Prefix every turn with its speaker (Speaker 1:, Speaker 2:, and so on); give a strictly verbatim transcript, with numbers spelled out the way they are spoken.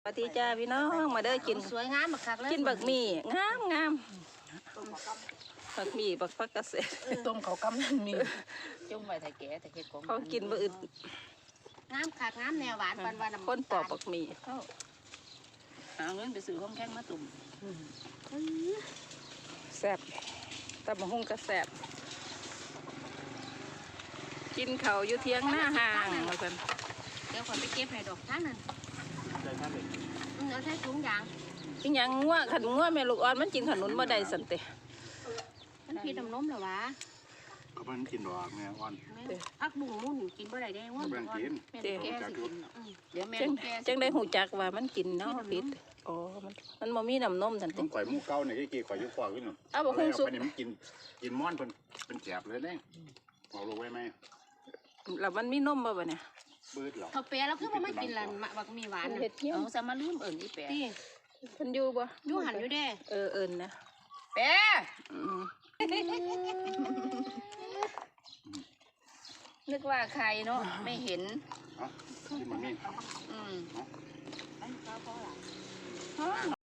Speaker 1: ปฏิจ้าพี่น้องมาเด้อกิน
Speaker 2: สวยงามบักคักเลย
Speaker 1: กินบักหมี่งามงามบักหมี่บักฟักเกษตร
Speaker 3: ต้มเขากำนั่นมีจุ่มไว้แต่แก่แต่เฮ็ดของ
Speaker 1: เขากินบ่อึด
Speaker 2: งามคักงามแนวหวานวันวัน
Speaker 1: คนปอกบักหมี่
Speaker 3: หาเงินไปซื้อของแข็งมาตุ่ม
Speaker 1: แซ่บตำบักหุ่งก็แซ่บกินเขาวอยู่เที่ยงหน้าห่างมากัน
Speaker 2: เดี๋ยวขอไปเก็บให้ดอกท่านนั่นอืมเอาใส่ถุงยาง
Speaker 1: อีหยังงัวขันงัวแม่ลูกอ่อนมันกินขนุนบ่ได้สันเต
Speaker 2: มันพีน้ำนมเหรอวะ
Speaker 4: ก็มันกินดอกแม่อ่อน
Speaker 2: พักบุ้งมุ่นกินบ่ได้ได้ว่า
Speaker 4: แบ่งกิน
Speaker 3: แม่แก่สิกินเดี๋ยวแม่
Speaker 1: จัง
Speaker 3: แก่
Speaker 1: จังได้หูจักว่ามันกินเนาะพิษอ๋อมันมันบ่มีน้ำนมสันเต
Speaker 4: ต้องข่อยหมูเก่าเนี่ยกี่ข่อยอยุคกว่าขึ้นหนึ่ง
Speaker 1: เอาบักหุ่งสุก
Speaker 4: ไปนี่มันกินกินม้อนเป็นเป็นแสบเลยเนี่ยเอาลงไว้ไหม
Speaker 1: แล้วมันมีนมบ่บ่เนี่ย
Speaker 4: บืดหรอ
Speaker 2: เขาเปียแล้วคือว่าไม่กินละบักมีหวาน
Speaker 1: เฮ็ดเที่ยง
Speaker 3: เอาซะมาลืมเอิ้นอีแปะ
Speaker 2: ที่
Speaker 1: เพิ่นอยู่บ่
Speaker 2: ยู่หันอยู่เด้
Speaker 1: เออเอิ้นนะ
Speaker 3: แปะ
Speaker 1: อืม
Speaker 3: นึกว่าใครเนาะไม่เห็น
Speaker 4: เอ้ากินมันนี่
Speaker 3: อืม